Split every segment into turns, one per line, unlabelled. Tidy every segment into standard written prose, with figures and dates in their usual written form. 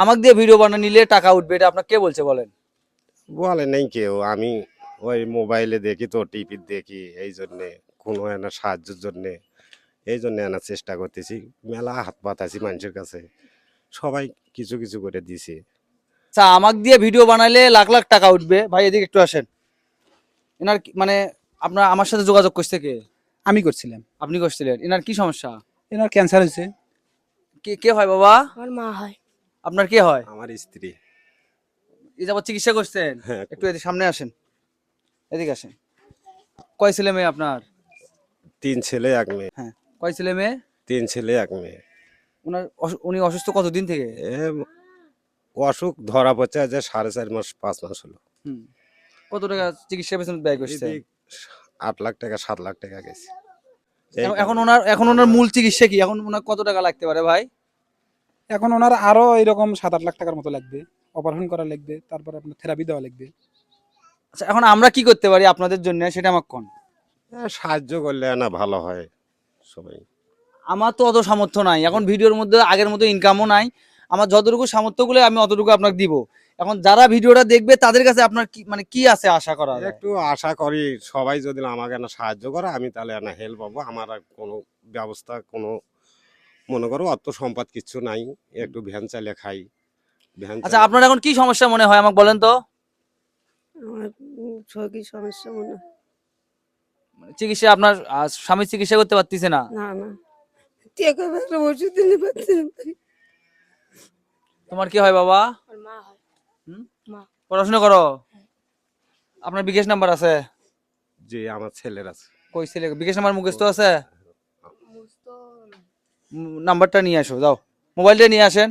আমাকে দিয়ে ভিডিও বানিয়ে নিলে টাকা উঠবে, এটা আপনাকে কে বলছে বলেন?
বলে নেই কেউ, আমি ওই মোবাইলে দেখি তো, টিভি দেখি, এই জন্যে কোনো এনা সাহায্যের জন্যে এই জন্য আনার চেষ্টা করতেছি। মেলা হাত পাতাছি মানুষের কাছে, সবাই কিছু কিছু করে দিছে।
আচ্ছা, আমাকে দিয়ে ভিডিও বানাইলে লাখ লাখ টাকা উঠবে, ভাই এদিকে একটু আসেন। এনার মানে আপনার আমার সাথে যোগাযোগ করছে কে?
আমি করছিলাম।
আপনি করছিলেন। এনার কি সমস্যা?
এনার ক্যান্সার হয়েছে।
কে কে হয় বাবা?
আমার মা হয়।
আপনার কে হয়?
আমার স্ত্রী।
এই যাবত চিকিৎসা করছেন?
হ্যাঁ।
একটু এদিকে সামনে আসেন, এদিকে আসেন। কয় ছেলে মেয়ে আপনার?
3 ছেলে 1 মেয়ে।
হ্যাঁ, কয় ছেলে মেয়ে?
3 ছেলে 1 মেয়ে।
উনি অসুস্থ কতদিন থেকে?
এ অসুখ ধরা পড়ছে যে 4.5 মাস 5 মাস হলো।
হুম। কত টাকা চিকিৎসা পেছনে ব্যয় করছে?
এদিক 8 লাখ টাকা 7 লাখ টাকা গেছে।
এখন ওনার মূল চিকিৎসা কি? এখন ওনার কত টাকা লাগতে পারে ভাই?
এখন ওনার আরো এরকম 7-8 লাখ টাকার মতো লাগবে, অপারেশন করা লাগবে, তারপর আপনার থেরাপি দেওয়া লাগবে।
আচ্ছা, এখন আমরা কি করতে পারি আপনাদের জন্য সেটা আমাকে কোন।
সাহায্য করলে না ভালো হয় সবাই।
আমার তো অত সামর্থ্য নাই, এখন ভিডিওর মধ্যে আগের মতো ইনকামও নাই। আমার যতটুকু সামর্থ্য গুলো আমি অতটুকু আপনাকে দিব। এখন যারা ভিডিওটা দেখবে তাদের কাছে আপনার কি মানে কি আছে আশা করা যায়?
একটু আশা করি সবাই যদি আমাকে না সাহায্য করে, আমি তাহলে না হেল্প পাবো। আমার আর কোনো ব্যবস্থা, কোনো মনে করো অত সম্পদ কিচ্ছু নাই, একটু ভ্যান চালিয়ে খাই। ভ্যান
আচ্ছা, আপনার এখন কি সমস্যা মনে হয় আমাকে বলেন তো?
আমার শরীর সমস্যা মনে হয়।
মানে চিকিৎসা আপনার স্বামী চিকিৎসা করতে পারতেছে না?
না না, টাকা একটা ওষুধ দিলে পারছি না।
তোমার কি হয় বাবা?
আমার মা হয়।
হুম?
মা।
পড়াশোনা করো? আপনার বিকাশ নাম্বার আছে?
যে আমার ছেলের আছে।
কই ছেলে বিকাশ নাম্বার মুখস্থ আছে? নাম্বারটা নিয়ে আসো, যাও মোবাইলটা নিয়ে আসেন।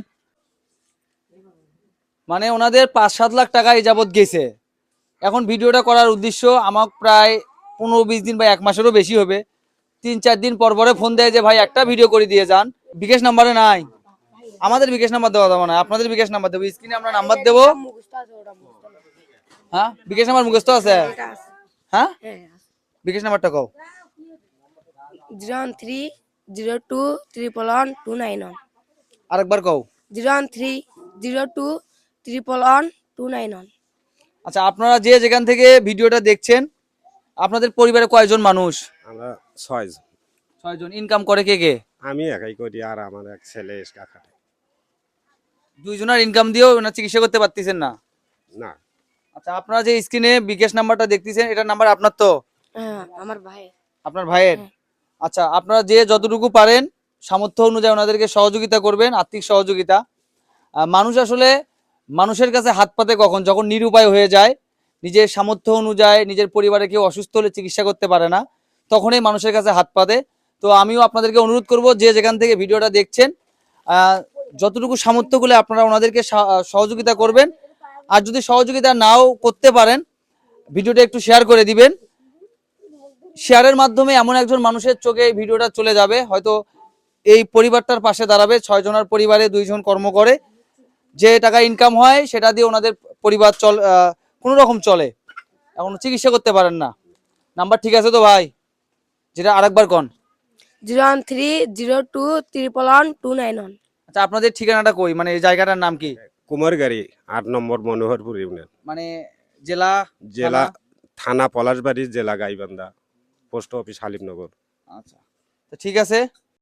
মানে ওনাদের 5-7 লাখ টাকা এই যাবৎ গেছে। এখন ভিডিওটা করার উদ্দেশ্য আমার প্রায় 15-20 দিন বা 1 মাসেরও বেশি হবে। 3-4 দিন পর পরে ফোন দেয় যে ভাই একটা ভিডিও করে দিয়ে যান। বিকাশ নাম্বারে নাই, আমাদের বিকাশ নাম্বার দেওয়া যাবে না, আপনাদের বিকাশ নাম্বার দেবো। স্ক্রিনে আমরা নাম্বার দেবো। হ্যাঁ, বিকাশ নাম্বার মুখস্থ আছে? হ্যাঁ, বিকাশ নাম্বারটা কও।
01302111291।
আরেকবার কও।
03023111291।
আচ্ছা, আপনারা যে যেখান থেকে ভিডিওটা দেখছেন, আপনাদের পরিবারে কয়জন মানুষ?
আমরা 6 জন।
6 জন। ইনকাম করে কে কে?
আমি একাই করি, আর আমার এক ছেলে এক্সট্রা খাটে।
2 জনের ইনকাম দিয়েও ওনার চিকিৎসা করতে পারতেছেন না?
না।
আচ্ছা, আপনারা যে স্ক্রিনে বিকাশ নাম্বারটা দেখতেছেন, এটা নাম্বার আপনার তো?
হ্যাঁ, আমার ভাই।
আপনার ভাইয়ের?
হ্যাঁ।
আচ্ছা, আপনারা যে যতটুকু পারেন সামর্থ্য অনুযায়ী ওনাদেরকে সহযোগিতা করবেন, আর্থিক সহযোগিতা। মানুষ আসলে মানুষের কাছে হাত পাতে কখন, যখন নিরুপায় হয়ে যায়, নিজের সামর্থ্য অনুযায়ী নিজের পরিবারে কেউ অসুস্থ হলে চিকিৎসা করতে পারে না, তখনই মানুষের কাছে হাত পাতে। তো আমিও আপনাদেরকে অনুরোধ করব, যে যেখান থেকে ভিডিওটা দেখছেন, যতটুকু সামর্থ্য গুলো আপনারা ওনাদেরকে সহযোগিতা করবেন। আর যদি সহযোগিতা নাও করতে পারেন, ভিডিওটা একটু শেয়ার করে দিবেন। শেয়ারের মাধ্যমে এমন একজন মানুষের চোখে এই ভিডিওটা চলে যাবে, হয়তো এই পরিবারটার পাশে দাঁড়াবে। 6 জনের পরিবারে 2 জন কর্ম করে, যে টাকা ইনকাম হয় সেটা দিয়ে ওনাদের পরিবার কোনো রকম চলে। এখন চিকিৎসা করতে পারেন না। নাম্বার ঠিক আছে তো ভাই? যেটা আরেকবার কোন।
03023111291।
আচ্ছা, আপনাদের ঠিকানাটা কই, মানে এই জায়গাটার নাম কি?
কুমারগাড়ি 8 নম্বর মনোহরপুর ইউনিয়ন।
মানে জেলা?
জেলা থানা পলাশবাড়ি, জেলা গাইবান্ধা, পোস্ট অফিস হালিমনগর।
আচ্ছা, তো ঠিক আছে।